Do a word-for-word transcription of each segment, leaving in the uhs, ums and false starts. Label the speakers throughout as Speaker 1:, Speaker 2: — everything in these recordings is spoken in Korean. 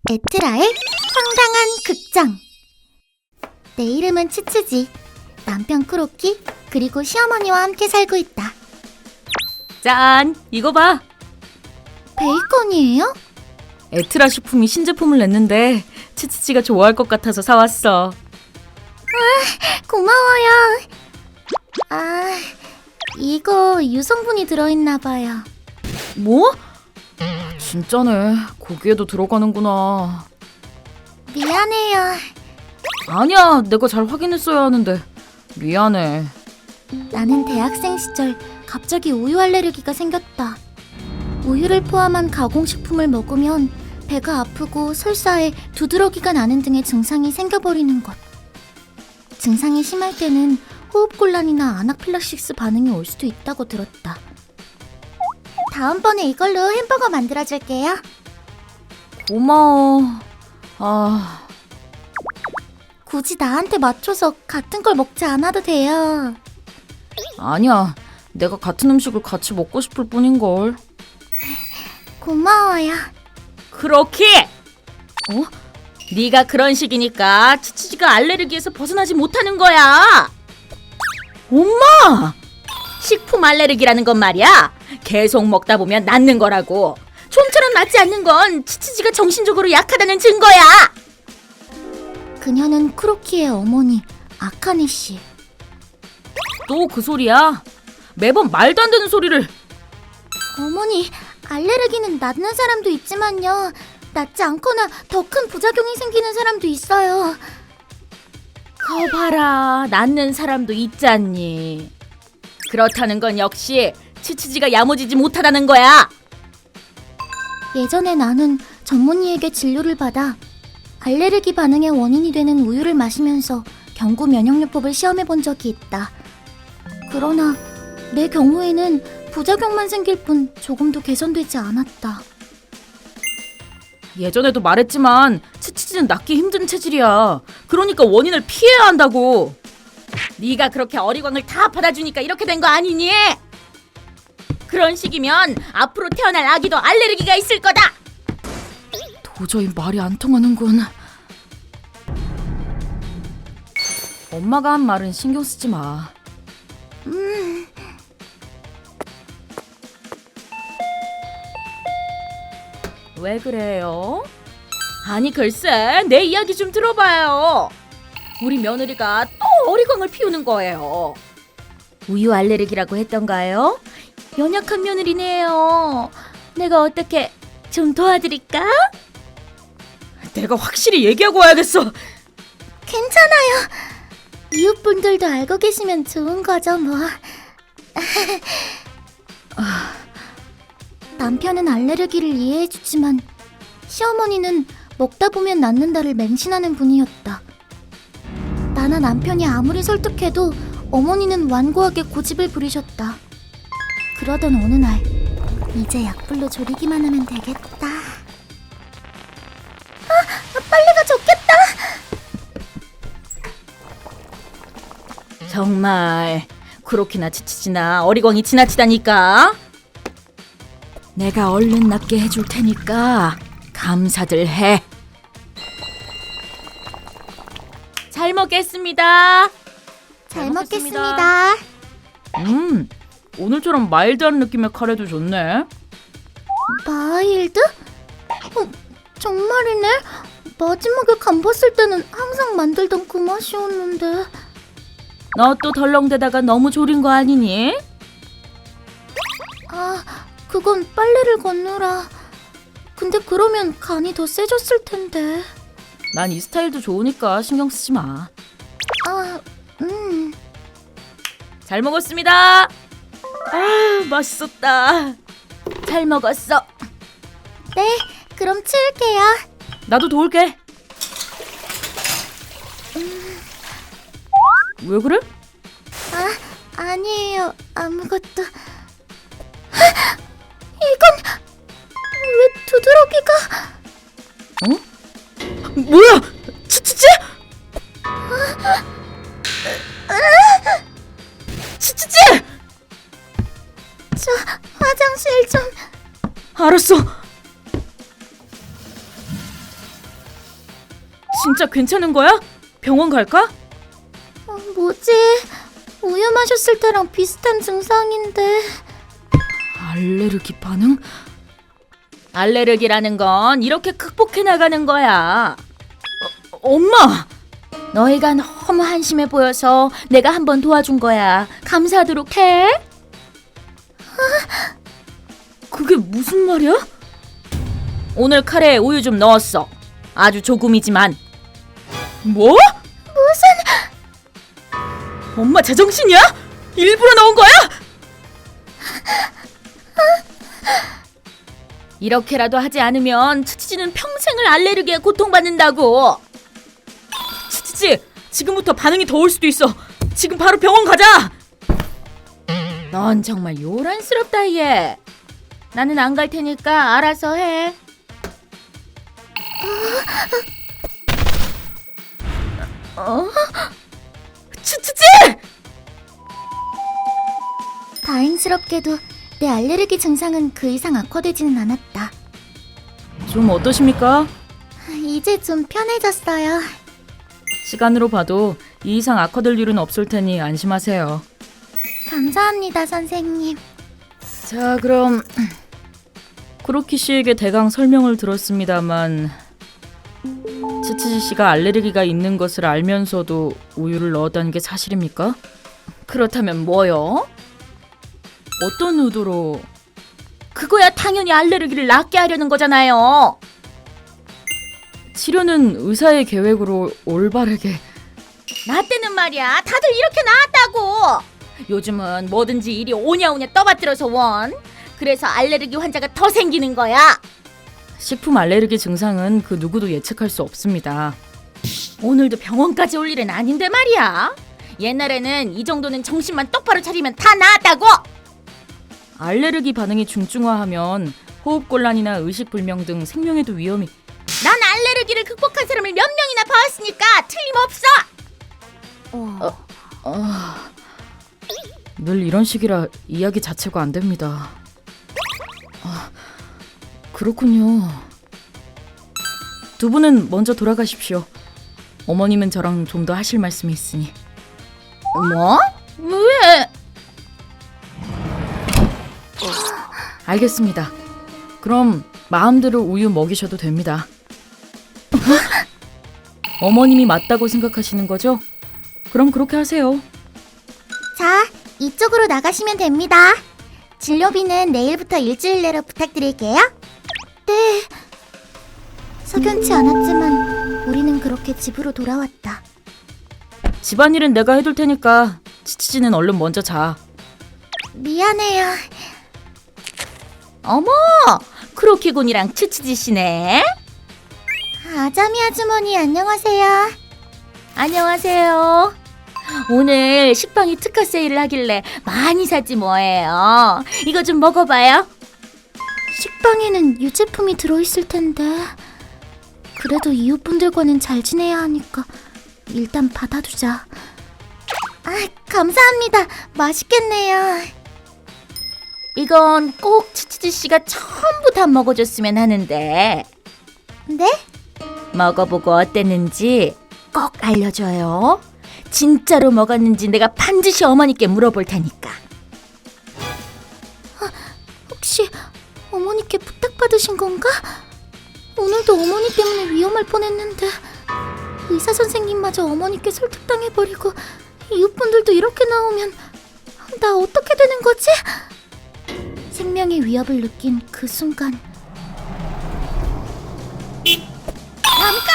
Speaker 1: 에트라의 황당한 극장. 내 이름은 치치지. 남편 크로키 그리고 시어머니와 함께 살고 있다.
Speaker 2: 짠! 이거 봐!
Speaker 1: 베이컨이에요?
Speaker 2: 에트라 식품이 신제품을 냈는데 치치치가 좋아할 것 같아서 사왔어.
Speaker 1: 고마워요. 아, 이거 유성분이 들어있나봐요.
Speaker 2: 뭐? 진짜네. 고기에도 들어가는구나.
Speaker 1: 미안해요.
Speaker 2: 아니야, 내가 잘 확인했어야 하는데. 미안해.
Speaker 1: 나는 대학생 시절 갑자기 우유 알레르기가 생겼다. 우유를 포함한 가공식품을 먹으면 배가 아프고 설사에 두드러기가 나는 등의 증상이 생겨버리는 것. 증상이 심할 때는 호흡곤란이나 아나필락시스 반응이 올 수도 있다고 들었다. 다음번에 이걸로 햄버거 만들어줄게요.
Speaker 2: 고마워. 아...
Speaker 1: 굳이 나한테 맞춰서 같은 걸 먹지 않아도 돼요.
Speaker 2: 아니야. 내가 같은 음식을 같이 먹고 싶을 뿐인걸.
Speaker 1: 고마워요.
Speaker 2: 크로키! 어? 네가 그런 식이니까 치치지가 알레르기에서 벗어나지 못하는 거야. 엄마! 식품 알레르기라는 건 말이야. 계속 먹다 보면 낫는 거라고. 좀처럼 낫지 않는 건 치치지가 정신적으로 약하다는 증거야.
Speaker 1: 그녀는 크로키의 어머니 아카네 씨.
Speaker 2: 또 그 소리야? 매번 말도 안 되는 소리를.
Speaker 1: 어머니, 알레르기는 낫는 사람도 있지만요. 낫지 않거나 더 큰 부작용이 생기는 사람도 있어요.
Speaker 2: 거 봐라. 낫는 사람도 있잖니. 그렇다는 건 역시 치치지가 야무지지 못하다는 거야.
Speaker 1: 예전에 나는 전문의에게 진료를 받아 알레르기 반응의 원인이 되는 우유를 마시면서 경구 면역요법을 시험해 본 적이 있다. 그러나 내 경우에는 부작용만 생길 뿐 조금도 개선되지 않았다.
Speaker 2: 예전에도 말했지만 치치지는 낫기 힘든 체질이야. 그러니까 원인을 피해야 한다고. 네가 그렇게 어리광을 다 받아주니까 이렇게 된 거 아니니? 그런 식이면 앞으로 태어날 아기도 알레르기가 있을 거다. 도저히 말이 안 통하는군. 엄마가 한 말은 신경 쓰지 마.
Speaker 1: 음...
Speaker 2: 왜 그래요? 아니 글쎄, 내 이야기 좀 들어봐요. 우리 며느리가 또 어리광을 피우는 거예요. 우유 알레르기라고 했던가요? 연약한 며느리네요. 내가 어떻게 좀 도와드릴까? 내가 확실히 얘기하고 와야겠어.
Speaker 1: 괜찮아요. 이웃분들도 알고 계시면 좋은 거죠, 뭐. 남편은 알레르기를 이해해주지만 시어머니는 먹다 보면 낫는다를 맹신하는 분이었다. 나나 남편이 아무리 설득해도 어머니는 완고하게 고집을 부리셨다. 그러던 어느 날, 이제 약불로 졸이기만 하면 되겠다. 아, 빨리가 좋겠다.
Speaker 2: 정말 그렇게나 치치지나 어리광이 지나치다니까. 내가 얼른 낫게 해줄 테니까 감사들 해. 잘 먹겠습니다.
Speaker 1: 잘,
Speaker 2: 잘
Speaker 1: 먹겠습니다.
Speaker 2: 음, 오늘처럼 마일드한 느낌의 카레도 좋네.
Speaker 1: 마일드? 어, 정말이네. 마지막에 간 봤을 때는 항상 만들던 그 맛이었는데.
Speaker 2: 너 또 덜렁대다가 너무 졸인 거 아니니?
Speaker 1: 아, 그건 빨래를 건느라. 근데 그러면 간이 더 세졌을 텐데.
Speaker 2: 난 이 스타일도 좋으니까 신경 쓰지 마.
Speaker 1: 아, 음.
Speaker 2: 잘 먹었습니다. 아, 맛있었다. 잘 먹었어.
Speaker 1: 네, 그럼 치울게요.
Speaker 2: 나도 도울게. 왜 그래?
Speaker 1: 아, 아니에요. 아무것도. 하! 이건 왜 두드러기가?
Speaker 2: 어? 뭐야? 치치치? 치치치!
Speaker 1: 저 화장실 좀.
Speaker 2: 알았어. 진짜 괜찮은 거야? 병원 갈까?
Speaker 1: 어, 뭐지? 우유 마셨을 때랑 비슷한 증상인데.
Speaker 2: 알레르기 반응? 알레르기라는 건 이렇게 극복해 나가는 거야. 어, 엄마! 너희가 너무 한심해 보여서 내가 한번 도와준 거야. 감사하도록 해. 그게 무슨 말이야? 오늘 카레에 우유 좀 넣었어. 아주 조금이지만. 뭐?
Speaker 1: 무슨...
Speaker 2: 엄마 제정신이야? 일부러 넣은 거야? 이렇게라도 하지 않으면 치치지는 평생을 알레르기에 고통받는다고. 치치지, 지금부터 반응이 더 올 수도 있어. 지금 바로 병원 가자. 넌 정말 요란스럽다 얘. 나는 안 갈 테니까 알아서 해. 어? 치치지!
Speaker 1: 다행스럽게도 내 알레르기 증상은 그 이상 악화되지는 않았다.
Speaker 2: 좀 어떠십니까?
Speaker 1: 이제 좀 편해졌어요.
Speaker 2: 시간으로 봐도 이 이상 악화될 일은 없을 테니 안심하세요.
Speaker 1: 감사합니다, 선생님.
Speaker 2: 자, 그럼 크로키 씨에게 대강 설명을 들었습니다만 치치지 씨가 알레르기가 있는 것을 알면서도 우유를 넣었다는 게 사실입니까? 그렇다면 뭐요? 어떤 의도로? 그거야 당연히 알레르기를 낫게 하려는 거잖아요. 치료는 의사의 계획으로 올바르게. 나 때는 말이야 다들 이렇게 나았다고. 요즘은 뭐든지 이리 오냐오냐 떠받들어서 원. 그래서 알레르기 환자가 더 생기는 거야. 식품 알레르기 증상은 그 누구도 예측할 수 없습니다. 오늘도 병원까지 올 일은 아닌데 말이야. 옛날에는 이 정도는 정신만 똑바로 차리면 다 나았다고. 알레르기 반응이 중증화하면 호흡곤란이나 의식불명 등 생명에도 위험이. 난 알레르기를 극복한 사람을 몇 명이나 봐왔으니까 틀림없어.
Speaker 1: 어...
Speaker 2: 어, 어... 늘 이런 식이라 이야기 자체가 안 됩니다. 아, 그렇군요. 두 분은 먼저 돌아가십시오. 어머님은 저랑 좀 더 하실 말씀이 있으니. 뭐? 왜? 알겠습니다. 그럼 마음대로 우유 먹이셔도 됩니다. 어머님이 맞다고 생각하시는 거죠? 그럼 그렇게 하세요.
Speaker 1: 자, 이쪽으로 나가시면 됩니다. 진료비는 내일부터 일주일 내로 부탁드릴게요. 네. 석연치 않았지만 우리는 그렇게 집으로 돌아왔다.
Speaker 2: 집안일은 내가 해둘 테니까 치치지는 얼른 먼저 자.
Speaker 1: 미안해요.
Speaker 2: 어머, 크로키군이랑 치치지 씨네.
Speaker 1: 아자미 아주머니 안녕하세요.
Speaker 2: 안녕하세요. 오늘 식빵이 특가 세일을 하길래 많이 샀지 뭐예요. 이거 좀 먹어봐요.
Speaker 1: 식빵에는 유제품이 들어있을 텐데. 그래도 이웃분들과는 잘 지내야 하니까 일단 받아두자. 아, 감사합니다. 맛있겠네요.
Speaker 2: 이건 꼭 치치지 씨가 전부 다 먹어줬으면 하는데.
Speaker 1: 네?
Speaker 2: 먹어보고 어땠는지 꼭 알려줘요. 진짜로 먹었는지 내가 반드시 어머니께 물어볼 테니까.
Speaker 1: 아, 혹시 어머니께 부탁받으신 건가? 오늘도 어머니 때문에 위험할 뻔했는데 의사 선생님마저 어머니께 설득당해버리고 이웃분들도 이렇게 나오면 나 어떻게 되는 거지? 생명의 위협을 느낀 그 순간.
Speaker 2: 잠깐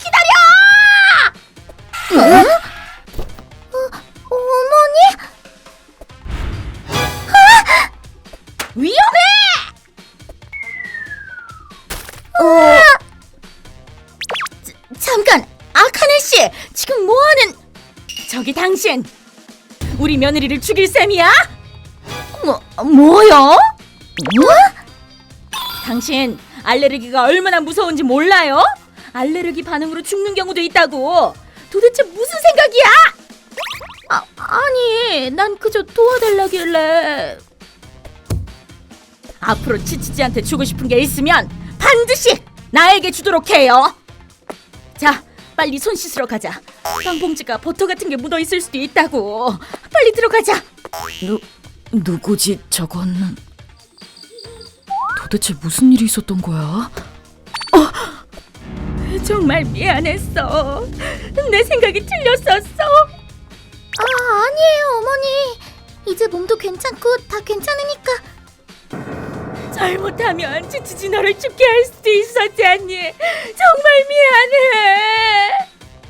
Speaker 2: 기다려!
Speaker 1: 어? 어, 어머니?
Speaker 2: 위험해!
Speaker 1: 어...
Speaker 2: 자, 잠깐! 아카네 씨! 지금 뭐하는... 저기 당신! 우리 며느리를 죽일 셈이야? 뭐, 뭐요?
Speaker 1: 뭐?
Speaker 2: 당신 알레르기가 얼마나 무서운지 몰라요? 알레르기 반응으로 죽는 경우도 있다고. 도대체 무슨 생각이야? 아, 아니, 난 그저 도와달라길래. 앞으로 치치지한테 주고 싶은 게 있으면 반드시 나에게 주도록 해요. 자, 빨리 손 씻으러 가자. 빵봉지가 버터 같은 게 묻어 있을 수도 있다고. 빨리 들어가자.
Speaker 3: 누, 누구지 저건? 도대체 무슨 일이 있었던 거야?
Speaker 2: 정말 미안했어. 내 생각이 틀렸었어.
Speaker 1: 아, 아니에요, 어머니. 이제 몸도 괜찮고 다 괜찮으니까.
Speaker 2: 잘못하면 치치지 너를 죽게 할 수도 있었지 않니? 정말 미안해.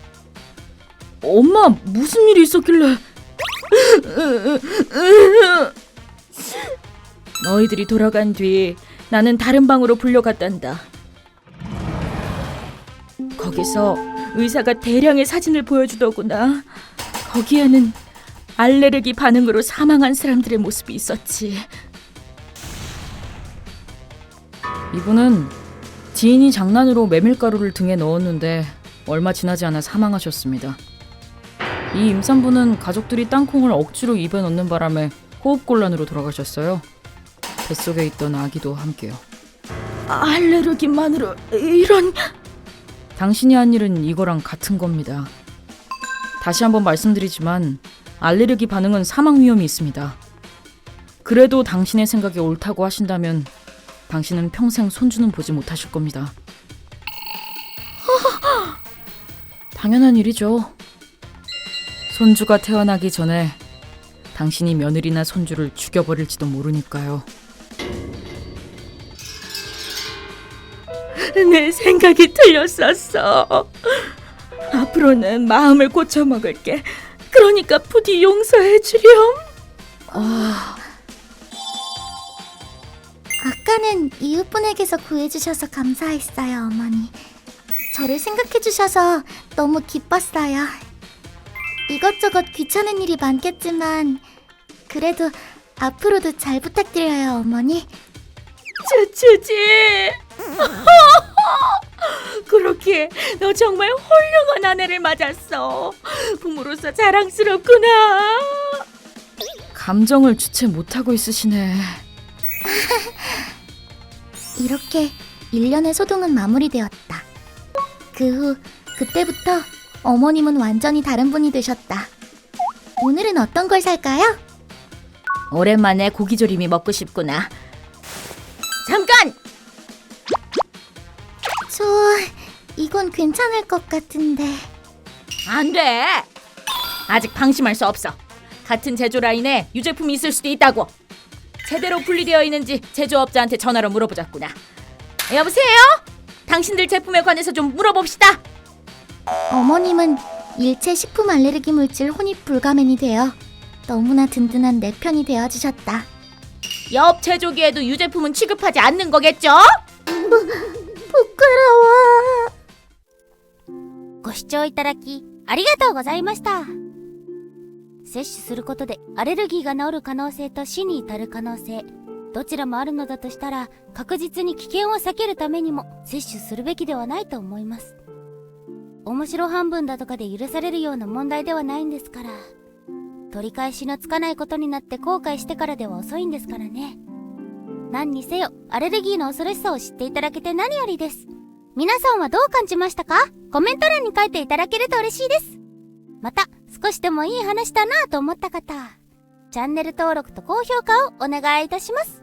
Speaker 3: 엄마 무슨 일이 있었길래?
Speaker 2: 너희들이 돌아간 뒤 나는 다른 방으로 불려갔단다. 거기서 의사가 대량의 사진을 보여주더구나. 거기에는 알레르기 반응으로 사망한 사람들의 모습이 있었지.
Speaker 3: 이분은 지인이 장난으로 메밀가루를 등에 넣었는데 얼마 지나지 않아 사망하셨습니다. 이 임산부는 가족들이 땅콩을 억지로 입에 넣는 바람에 호흡곤란으로 돌아가셨어요. 뱃속에 있던 아기도 함께요.
Speaker 2: 알레르기만으로 이런...
Speaker 3: 당신이 한 일은 이거랑 같은 겁니다. 다시 한번 말씀드리지만 알레르기 반응은 사망 위험이 있습니다. 그래도 당신의 생각이 옳다고 하신다면 당신은 평생 손주는 보지 못하실 겁니다. 당연한 일이죠. 손주가 태어나기 전에 당신이 며느리나 손주를 죽여버릴지도 모르니까요.
Speaker 2: 내 생각이 틀렸었어. 앞으로는 마음을 고쳐먹을게. 그러니까 부디 용서해 주렴.
Speaker 3: 아...
Speaker 1: 아까는 이웃분에게서 구해주셔서 감사했어요, 어머니. 저를 생각해주셔서 너무 기뻤어요. 이것저것 귀찮은 일이 많겠지만 그래도 앞으로도 잘 부탁드려요, 어머니.
Speaker 2: 주주지. 그렇게 너 정말 훌륭한 아내를 맞았어. 부모로서 자랑스럽구나.
Speaker 3: 감정을 주체 못하고 있으시네.
Speaker 1: 이렇게 일 년의 소동은 마무리되었다. 그 후 그때부터 어머님은 완전히 다른 분이 되셨다. 오늘은 어떤 걸 살까요?
Speaker 2: 오랜만에 고기조림이 먹고 싶구나. 잠깐!
Speaker 1: 저... 이건 괜찮을 것 같은데...
Speaker 2: 안 돼! 아직 방심할 수 없어. 같은 제조 라인에 유제품이 있을 수도 있다고. 제대로 분리되어 있는지 제조업자한테 전화로 물어보자꾸나. 여보세요? 당신들 제품에 관해서 좀 물어봅시다.
Speaker 1: 어머님은 일체 식품 알레르기 물질 혼입 불가맨이 되어 너무나 든든한 내 편이 되어주셨다.
Speaker 2: 옆 제조기에도 유제품은 취급하지 않는 거겠죠?
Speaker 1: 부끄러워.
Speaker 4: ご視聴いただきありがとうございました。摂取することでアレルギーが治る可能性と死に至る可能性、どちらもあるのだとしたら確実に危険を避けるためにも摂取するべきではないと思います。面白半分だとかで許されるような問題ではないんですから。取り返しのつかないことになって後悔してからでは遅いんですからね。何にせよアレルギーの恐ろしさを知っていただけて何よりです。皆さんはどう感じましたか？コメント欄に書いていただけると嬉しいです。また少しでもいい話だなぁと思った方、チャンネル登録と高評価をお願いいたします。